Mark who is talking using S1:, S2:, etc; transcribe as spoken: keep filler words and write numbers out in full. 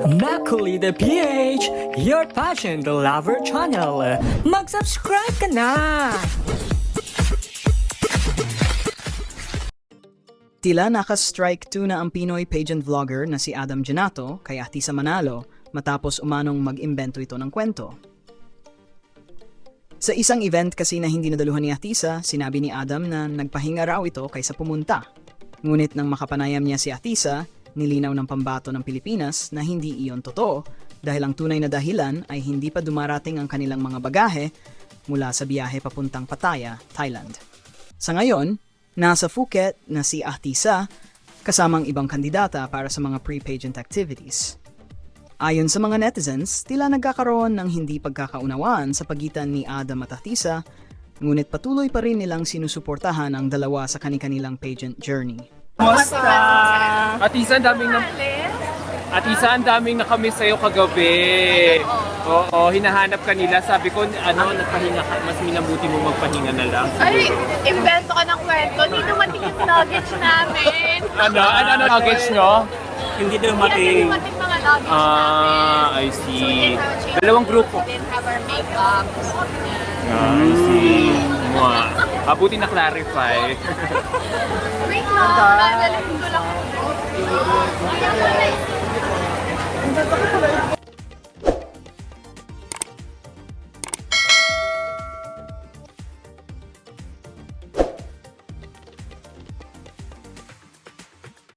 S1: Macaulay the P H, your passion the lover channel. Mag-subscribe ka na!
S2: Tila naka-strike two na ang Pinoy pageant vlogger na si Adam Genato kay Atisa Manalo matapos umanong mag-imbento ito ng kwento. Sa isang event kasi na hindi nadaluhan ni Atisa, sinabi ni Adam na nagpahinga raw ito kaysa pumunta. Ngunit nang makapanayam niya si Atisa, nilinaw ng pambato ng Pilipinas na hindi iyon totoo dahil ang tunay na dahilan ay hindi pa dumarating ang kanilang mga bagahe mula sa biyahe papuntang Pattaya, Thailand. Sa ngayon, nasa Phuket na si Atisa kasamang ibang kandidata para sa mga pre-pageant activities. Ayon sa mga netizens, tila nagkakaroon ng hindi pagkakaunawaan sa pagitan ni Adam at Atisa, ngunit patuloy pa rin nilang sinusuportahan ang dalawa sa kani-kanilang pageant journey.
S3: Kumusta? Atisa, ang daming na... Atisa, ang daming nakamiss sa'yo kagabi. Oo, hinahanap ka nila. Sabi ko, ano, nagpahinga ka. Mas minabuti mo magpahinga na lang.
S4: Ay, invento ka ng kwento. Hindi dumating yung luggage namin.
S3: Ano? Ano, ano luggage nyo? Hindi
S4: Hindi
S3: dumating.
S4: dumating mga luggage namin.
S3: Ah, I
S4: So, we
S3: see.
S4: didn't have a chance.
S3: Dalawang grupo.
S4: We didn't have our makeup.
S3: Ah, I see. Mwah. Mabuti na clarify.
S4: Wait lang, dadalhin ko lang.